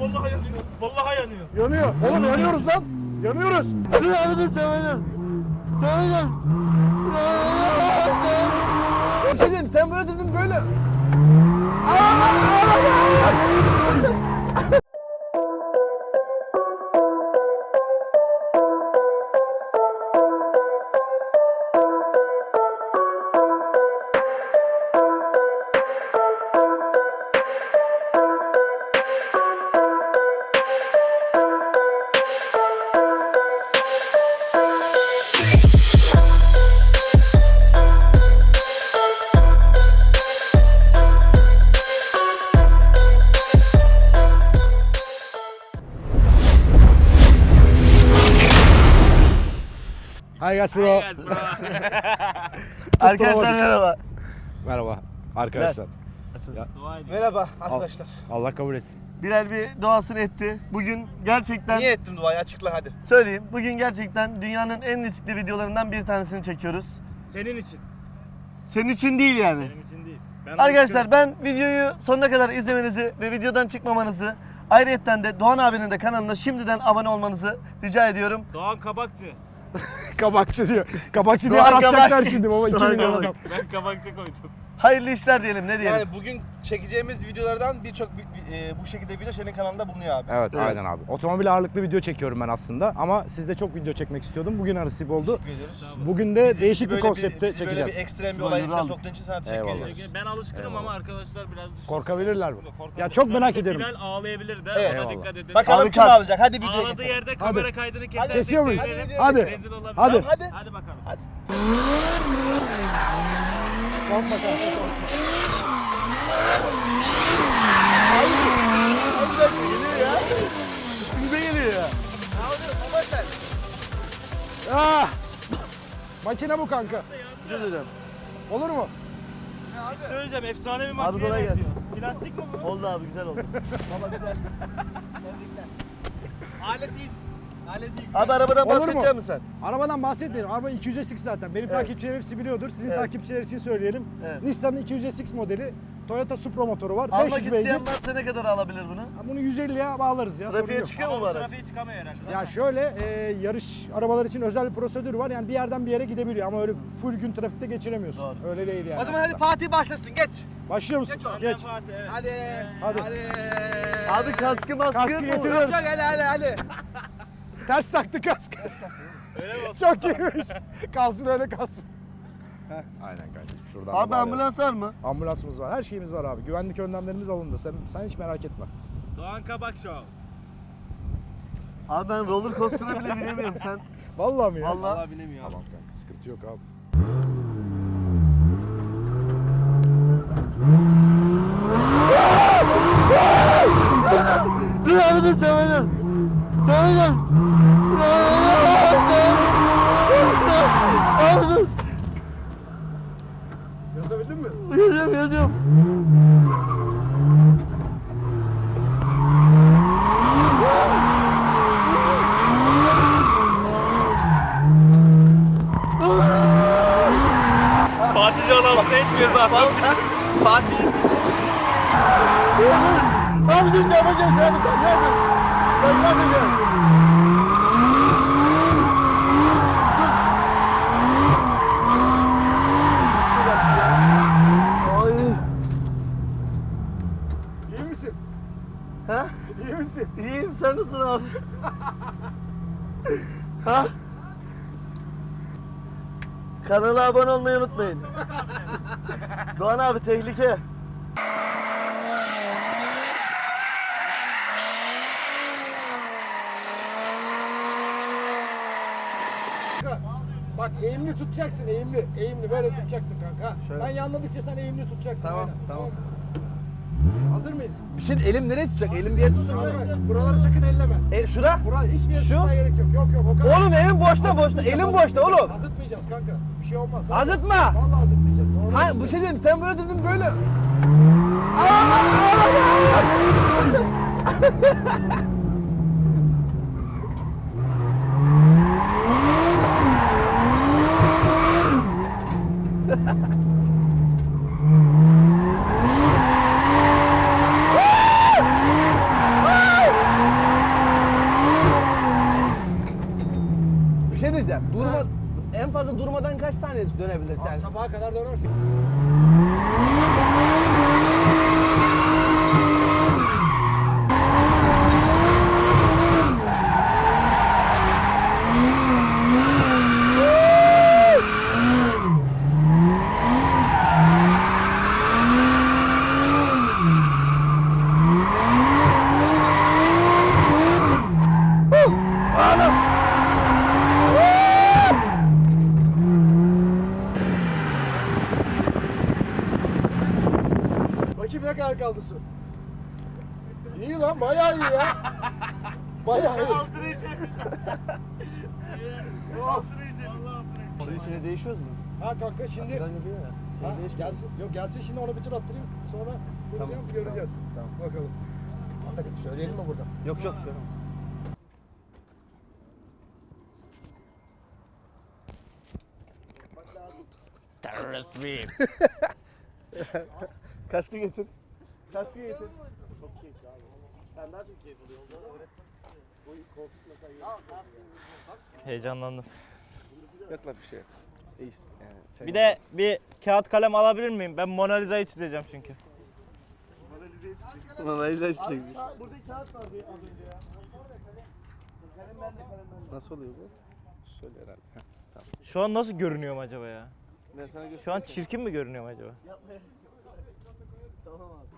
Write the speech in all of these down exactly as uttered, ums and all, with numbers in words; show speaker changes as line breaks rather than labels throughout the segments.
vallahi yanıyor. Vallahi yanıyor.
Yanıyor. Oğlum yanıyoruz lan. Yanıyoruz.
Dur abi dur Temel'im. Temel'im.
Bir şey diyeyim, sen böyle durdun böyle. Hi guys bro.
Arkadaşlar merhaba.
Merhaba arkadaşlar. Ya,
Merhaba arkadaşlar.
Allah kabul etsin.
Bilal bir duasını etti. Bugün gerçekten
Niye ettim duayı, açıkla hadi.
söyleyeyim. Bugün gerçekten dünyanın en riskli videolarından bir tanesini çekiyoruz.
Senin için.
Senin için değil yani.
Benim için değil. Ben
Arkadaşlar ben videoyu sonuna kadar izlemenizi ve videodan çıkmamanızı, ayrıyetten de Doğan abinin de kanalına şimdiden abone olmanızı rica ediyorum.
Doğan Kabakçı.
Kabakçı diyor. Kabakçı diye
Doğan
aratacaklar
Kabak.
şimdi baba, iki
Doğan
milyon
Kabak.
adam.
Ben Kabakçı koydum.
Hayırlı işler diyelim, ne diyelim.
Yani bugün çekeceğimiz videolardan birçok vi- e, bu şekilde video senin kanalında bulunuyor abi.
Evet,
Evet.
aynen abi. Otomobil ağırlıklı video çekiyorum ben aslında ama sizde çok video çekmek istiyordum. Bugün nasip oldu.
Teşekkür ediyoruz.
Bugün de
Bizi
değişik bir
böyle
konsepte
bizi
çekeceğiz.
Böyle bir ekstrem bir
Spoiler
olayın içine
aldık.
soktuğun için sana teşekkür
Eyvallah.
ediyoruz.
Ben alışkınım ama arkadaşlar biraz düşünsün.
Korkabilirler mi?
Korkabilir.
Ya çok merak
Özellikle
ederim.
Bilal ağlayabilir de
Evet.
ona
Eyvallah.
dikkat edin.
Bakalım
Abi
kim
kalk.
alacak? Hadi videoya
Ağladığı
geçelim.
yerde kamera kaydını kesersek
Kesiyor muyuz?
sevinirim.
Hadi.
Rezil olabilir.
Hadi.
Hadi.
Hadi bakalım.
Hadi.
Korkma kanka, korkma.
Üstümüze geliyor ya.
Ah! Makine bu kanka.
Özür dilerim.
Olur mu?
Söyleyeceğim, efsane bir
Abi
makine
kolay
benziyor.
gelsin.
Plastik mi bu?
Oldu abi, güzel oldu.
Alet iyi. Alet iyi.
Abi arabadan
Olur mu?
bahsedecek misin sen?
Arabadan bahsetmeyelim. Araba iki yüz S X zaten. Benim
Evet.
takipçilerim hepsi biliyordur. Sizin
Evet.
takipçiler için söyleyelim.
Evet.
Nissan'ın iki yüz S X modeli. Toyota Supra motoru var.
Almak
beş yüz beygir.
isteyen varsa ne kadar alabilir bunu?
Bunu yüz elliye bağlarız ya. sorun
Trafiğe
yok.
çıkıyor mu
Ama
bu
bu
araç?
trafiğe çıkamıyor herhalde.
Ya şöyle e, yarış arabalar için özel bir prosedür var. Yani bir yerden bir yere gidebiliyor ama öyle full gün trafikte geçiremiyorsun.
Doğru.
Öyle değil yani.
O zaman hadi Fatih başlasın. Geç.
Başlıyor musun?
Geç oğlum.
Geç.
Fatih, evet.
Hadi.
Hadi.
Hadi.
Abi kaskı maskı
Kaskı
yok mu?
getiriyoruz.
Yok hadi hadi hadi.
Ters taktı kask.
Öyle mi?
Çok iyiymiş. Kalsın öyle kalsın. Heh, aynen kardeşim. Şuradan da
Abi
bağlayalım.
ambulans var mı?
Ambulansımız var. Her şeyimiz var abi. Güvenlik önlemlerimiz alındı. Sen sen hiç merak etme.
Doğan Kabak Show.
Abi ben roller coaster'a bile binemiyorum sen.
Vallahi mi ya?
Vallahi.
Vallahi binemiyor abi.
Tamam kanka, sıkıntı yok abi.
Dur abi dur Temel'im. Temel'im. Abi dur.
Yazabildin mi?
Yazıyorum yazıyorum.
Fatih Can altına etmiyor zaten.
Fatih indi.
Abi dur yapacağım sen bir tane yardım. Ben yapacağım. Ay.
İyi misin?
Ha?
İyi misin?
İyiyim, sen nasılsın abi? Ha? Kanala abone olmayı unutmayın. Doğan abi tehlike.
Bak eğimli tutacaksın, eğimli. Eğimli böyle tutacaksın kanka.
Şöyle.
Ben yanladıkça sen eğimli tutacaksın.
Tamam,
aynen.
tamam.
mı? Hazır mıyız?
Bir şey elim nereye tutacak? Elim bir yere tutsun.
Hayır, hayır. Buraları sakın elleme.
E şura.
Buraya hiçbir yere
Şu?
tutmaya gerek yok. Yok yok o kadar.
Oğlum elim boşta boşta.
Azıtmayacağız,
Elim boşta
azıtmayacağız.
oğlum.
Azıtmayacağız kanka. Bir şey olmaz. Vallahi-
Azıtma.
Vallahi azıtmayacağız. Normal
Hayır bu
olacak.
şey diyeyim, sen böyle durdun böyle. Durma, en fazla durmadan kaç tane dönebilirsin? Yani?
Sabaha kadar dönersin. Bakayım ne kadar kaldı su. İyi lan, bayağı iyi ya. Bayağı iyi.
Altına işemiş. Altına işemiş.
Suyun içine değişiyoruz mu?
Ha kanka şimdi
Ben yapıyor ya.
ha,
Şey değişmiyor.
gelsin. Yok gelsin şimdi ona bir tur attırayım. Sonra duracağım göreceğiz.
Tamam.
Bakalım. Hatta söyleyelim mi burada?
Yok yok şöyle.
Terörist miyim?
Kaskı getir. Kaskı getir. Çok keyifli abi. Sen daha çok keyif alıyorsun. Bu koltuk mesela
Heyecanlandım.
yok lan bir şey. İyisin. Yani sen
Bir de bir kağıt kalem alabilir miyim? Ben Mona Lisa'yı çizeceğim çünkü.
Ulan ayıplar çiçekmiş.
Burada kağıt vardı az önce ya. Kalem bende, kalem bende.
Nasıl oluyor bu? Şöyle herhalde. Heh, tamam.
Şu an nasıl görünüyorum acaba ya?
Ben sana göstereyim.
Şu an çirkin mi görünüyorum acaba?
Yapma. Tamam abi.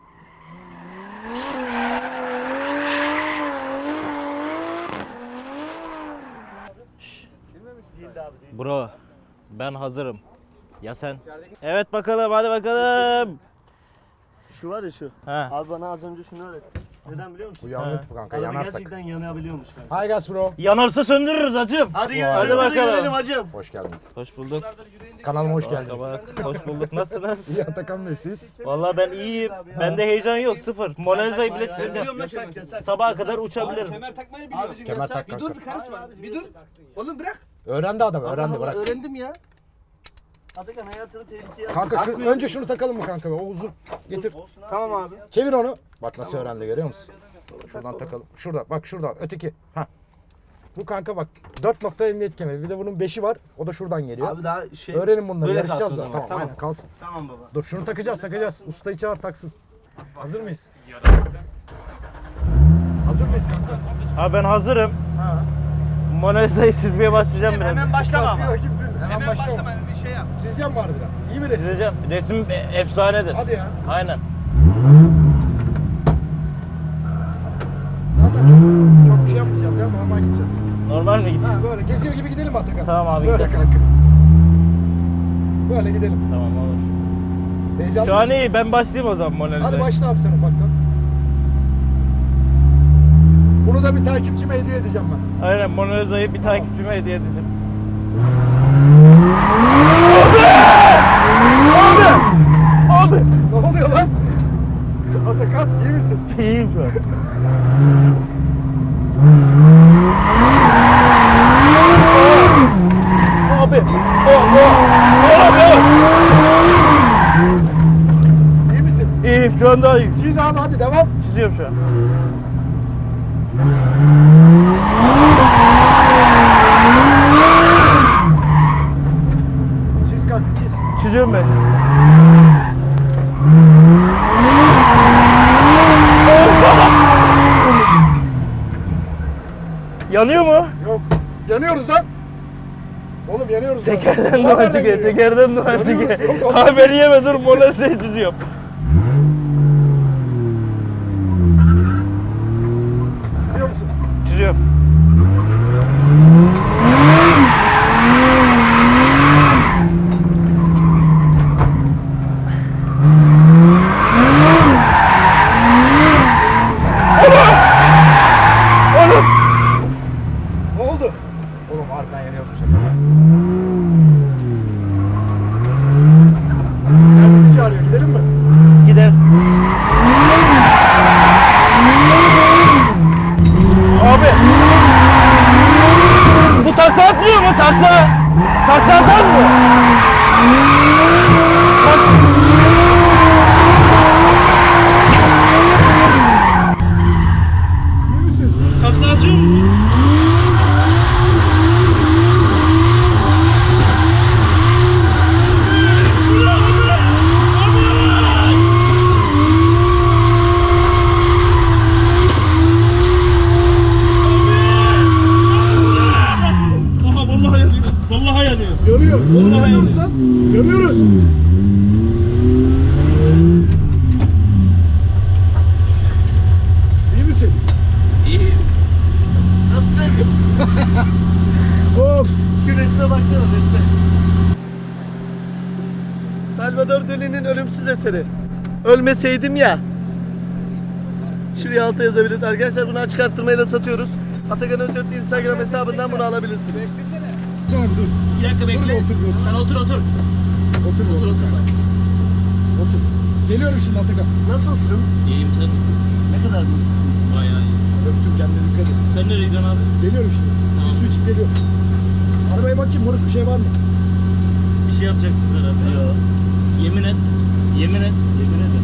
Değildi abi değil.
Bro, ben hazırım. Ya sen? Evet bakalım, hadi bakalım.
Şu var ya şu.
He.
Abi bana az önce şunu öğretti. Neden biliyor musun?
Bu yanık kanka,
Araba
yanarsak.
gerçekten yanabiliyormuş kanka.
Hi guys bro.
Yanarsa söndürürüz hacım.
Hadi yürü,
Hadi
hadi
bakalım.
gidelim hacım.
Hoş geldiniz.
Hoş bulduk.
Kanalıma hoş geldiniz.
Bak, hoş bulduk. Nasılsınız?
İyi Atakan Bey siz?
Vallahi ben iyiyim. Bende heyecan yok, sıfır. Mona Lisa'yı bile çizeceğim.
Yasak yasak.
Sabaha kadar uçabilirim.
Kemer takmayı biliyorum.
Abicim
Kemer
yasak.
tak
Bir
kanka.
dur bir karışma. Bir dur. Oğlum bırak.
Öğrendi adam, öğrendi
Allah Allah,
bırak.
öğrendim ya.
Atakan hayatını tehlikeye at.
Kanka şu, önce şunu takalım mı kanka be? O uzun. Getir.
Olsun abi.
Tamam abi.
Çevir onu. Bak nasıl öğrendi görüyor musun? Şuradan takalım. Şurada bak şurada öteki. Ha. Bu kanka bak dört nokta emniyet kemeri. Bir de bunun beşi var. O da şuradan geliyor.
Abi daha şey.
Öğrenin bunları.
Böyle
Yarışacağız
kalsın o
da.
zaman,
Tamam,
tamam.
aynen kalsın.
Tamam baba.
Dur şunu takacağız takacağız. Ustayı çağır taksın. Hazır mıyız? Hazır mıyız kanka?
Ha ben hazırım.
Ha.
Mona Lisa'yı çizmeye başlayacağım biraz.
Hemen başlama
Baskıyı
ama.
rakip değil. Hemen,
Hemen
başlama.
başlama bir şey yap.
Çizeceğim mi harbiden? İyi mi resim?
Çizeceğim. Resim e- efsanedir.
Hadi ya.
Aynen.
Zaten çok, çok bir şey yapmayacağız ya. Normal gideceğiz.
Normal mi
Ha,
gideceğiz?
böyle geziyor gibi gidelim Atakan.
Tamam abi,
Böyle
gidelim.
kanka. Böyle gidelim.
Tamam olur.
Heyecanlı
Şu an
mısın?
iyi. Ben başlayayım o zaman Mona Lisa'ya.
Hadi başla abi sen ufaktan. Bunu da bir takipçime hediye edeceğim ben.
Aynen Mona Lisa'yı bir takipçime hediye edeceğim.
Abi! Ne oluyor lan? Atakan iyi misin?
İyiyim şu an. Abi! Oh, oh! Abi!
İyi misin?
İyiyim şu an daha iyiyim.
Çiz abi hadi devam.
Çiziyorum şu an.
Çiz kanka çiz.
Çiziyorum ben. Yanıyor mu?
Yok. Yanıyoruz lan. Oğlum yanıyoruz lan.
Tekerden
Ulan
duvar
nereden
çıkıyor,
geliyor?
tekerden duvar
Yanıyoruz,
çıkıyor.
yok oğlum.
Haberi yeme dur Mona Lisa'yı çiziyorum.
Çiziyor musun?
Çiziyorum.
Ne oldu? Oğlum harbiden yanıyoruz bu sefer. Ya bizi çağırıyor gidelim mi?
Salvador Dali'nin ölümsüz eseri. Ölmeseydim ya. Şuraya alta yazabiliriz. Arkadaşlar bunu açık arttırmayla satıyoruz. Atakan Öztürk Instagram hesabından bunu alabilirsiniz.
Tamam dur.
Bir dakika bekle.
Dur, otur, otur.
Sen otur otur.
Otur
Otur otur sen.
Otur. Geliyorum şimdi Atakan.
Nasılsın?
İyiyim sen nasılsın?
Ne kadar nasılsın?
Bayağı iyi.
Öptüm, kendine dikkat et.
Sen nereye gidiyorsun abi?
Geliyorum şimdi.
Tamam.
Bir su içip geliyorum. Arabaya bakayım moruk, bir şey var mı?
Bir şey yapacaksınız herhalde.
Yok.
Yemin et. Yemin et.
Yemin ederim.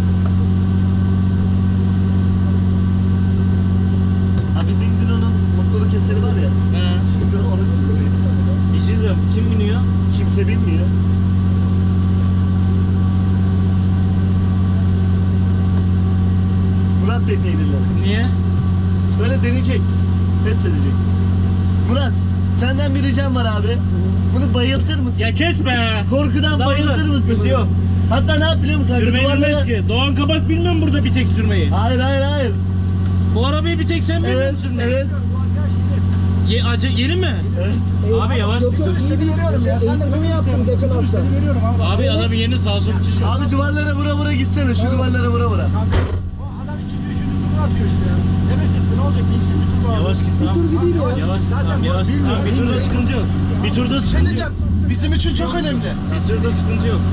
Abi Dindino'nun mutluluk eseri var ya.
He.
Şimdi onu çizdireyim.
Bir şey diyeceğim. Kim biniyor?
Kimse bilmiyor. Murat Bey peynirleri.
Niye?
Böyle deneyecek. Test edecek. Murat, senden bir ricam var abi. Bunu bayıltır mısın?
Ya kes be.
Korkudan
Lan
bayıltır
oğlum,
mısın?
bir şey
bunu?
yok.
Hatta ne yap biliyor musun kanka?
Sürmeyi bilmez ki. Doğan Kabak bilmiyor mu burada bir tek sürmeyi?
Hayır hayır hayır.
Bu arabayı bir tek sen bilmiyor
Evet,
musun sürmeyi?
evet.
Ye, acı, yeni mi?
Evet.
Abi yavaş.
Turistleri veriyorum ya. Sen de bunu yaptın geçen hafta. Turistleri veriyorum abi.
Abi adam yeni sağ sol çiziyor.
Abi duvarlara vura vura gitsene. Şu duvarlara vura vura.
Adam ikinci, üçüncü turunu atıyor işte ya. Ne mesetti, ne olacak? Bilsin bir tur abi.
Yavaş git tamam.
Bir tur gideyim ya.
Yavaş git
Zaten
tamam yavaş git.
bilmiyorum,
Tamam, bir turda
bilmiyorum.
sıkıntı yok. Bir turda sıkıntı yok.
Bizim için çok önemli.
Bir turda sıkıntı yok.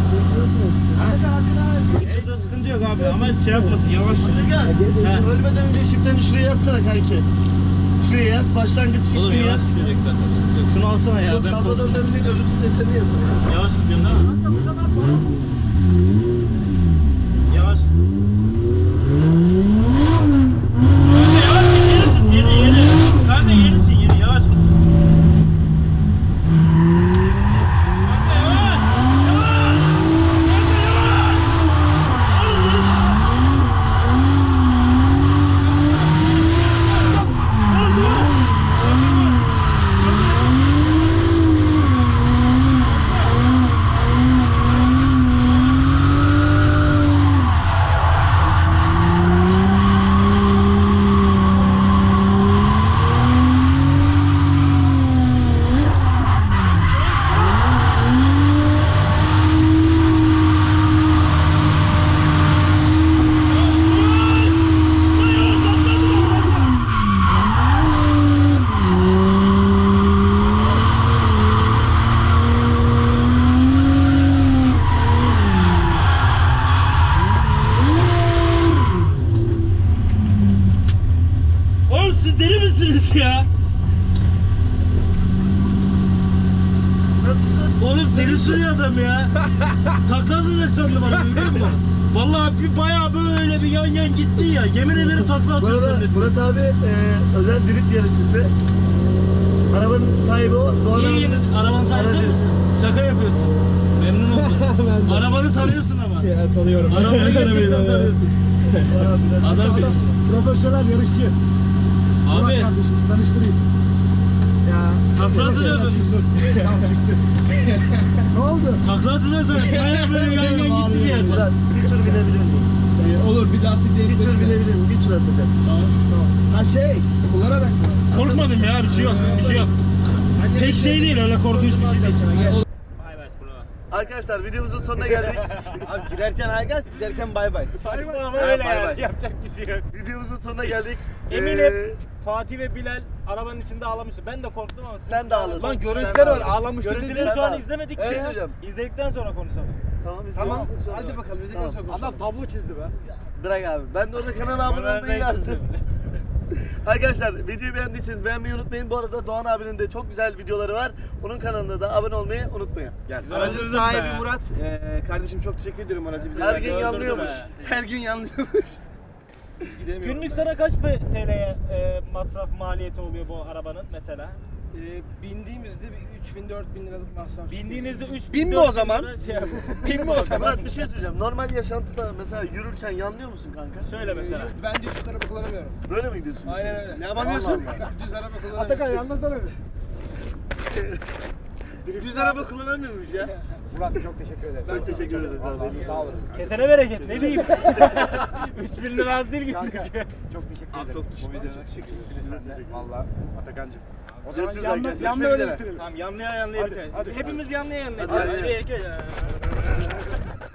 Bir turda sıkıntı yok abi ama şey yapmasın yavaş.
Gel.
He.
Ölmeden önce şifreni şuraya yazsana kanki. Şuraya yaz. Başlangıç
Oğlum
ismini
yavaş
yaz.
gidecek zaten sıkıntı yok. Şunu alsana ya.
Yok
ben
Salvador
korkuyorum.
Dali'nin ölümsüz eserini yaz.
Yavaş gidiyorsun değil mi? Yavaş. Kanka yavaş git yenisin yeni yeni. Kanka yenisin yeni yavaş git. Kanka yavaş. Yavaş. Kanka yavaş. Oğlum yavaş. Oğlum yavaş. Oğlum siz deli misiniz ya?
Nasılsın?
Oğlum deli sürüyor adam ya. Takla atacak sandım bana biliyor musun? Vallahi bir bayağı böyle bir yan yan gitti ya. Yemin ederim takla
Bu
atıyor
arada
zannettim.
Murat abi e, özel drift yarışçısı. Arabanın sahibi o. Doğan
Niye
abi-
yeni arabanı sahibi sen
Aracı.
misin? Şaka yapıyorsun. Memnun oldum. Arabanı tanıyorsun ama.
Ya tanıyorum.
Arabayı gerçekten tanıyorsun.
Doğan abi, biraz-
Adam
Adam profesyonel yarışçı. Murat
abi
kardeşimiz, tanıştırayım. Ya.
Takla atıyordun.
Çıktı. Tamam çıktı. Ne oldu?
takla atacaksın sen. Bayağı böyle yan yan gitti bir yerden.
Murat bir tur binebilir miyim?
Ee, olur bir lastik
Bir tur
değiştirelim.
binebilir miyim? Bir tur atacağım.
Ha şey, kullanarak mı?
Korkmadım ya bir şey yok. Bir şey yok. Pek şey değil öyle korkunç bir şey değil.
Arkadaşlar videomuzun sonuna geldik.
Abi girerken haygas, giderken bay bay.
Saçma ama
Ha,
öyle
bay
yani.
bay.
Yapacak bir şey yok.
Videomuzun sonuna geldik.
Eminim
Ee,
Fatih ve Bilal arabanın içinde ağlamıştı. Ben de korktum ama siz
Sen de ağladın.
Lan
Sen
görüntüler
de
var
ağladın.
ağlamıştır. Görüntüleri
Sen
şu
de
an
ağladın.
izlemedik.
Evet
Şey,
hocam.
İzledikten sonra konuşalım.
Tamam,
Tamam.
izleyelim.
Hadi bakalım. Biz de
Tamam.
sonra konuşalım. Adam tablo çizdi be.
Bırak abi. Ben de orada kanal abone olmayı yazdım. Arkadaşlar videoyu beğendiyseniz beğenmeyi unutmayın. Bu arada Doğan abinin de çok güzel videoları var. Onun kanalına da abone olmayı unutmayın.
Gel.
Güzel
Aracın
öldürdün
sahibi
be.
Murat. Ee, kardeşim çok teşekkür ediyorum aracı bize.
Her
verdiği
gün
için.
yanlıyormuş.
Her gün yanlıyormuş. Biz gidemiyoruz.
Günlük sana kaç T L'ye e, masraf maliyeti oluyor bu arabanın mesela?
Ee, bindiğimizde bir üç bin dört bin liralık masraf.
Bindiğinizde üç
Bin mi
dört
o zaman?
lira Şey, yap-
Bin mi o zaman?
Murat bir şey söyleyeceğim. Normal yaşantıda mesela yürürken yanlıyor musun kanka?
Söyle mesela.
Yok, ben düz araba kullanamıyorum.
Böyle mi gidiyorsun?
Aynen öyle.
Ne yapamıyorsun?
Allah Allah.
Düz araba kullanamıyorum.
Atakan anlasana bir.
Düz araba kullanamıyormuş ya.
Murat çok teşekkür ederim.
Çok teşekkür ederiz abi.
Vallahi sağ olasın.
Kesene bereket ne diyeyim. üç bin lira az değil
Kanka
günlük.
çok teşekkür ederim.
Abi çok teşekkür ederim.
Çok teşekkür ederiz. Valla Atakan'cığım. O zaman
Görüşürüz
yanına,
arkadaşlar.
yanına
Görüşmek
öyle
üzere.
bitirelim.
Tamam yanlıya yanlıya
Hadi,
bitirelim.
hadi.
Hepimiz yanlıya yanlıya.
Hadi, hadi.
Hadi. Bir, iki, üç.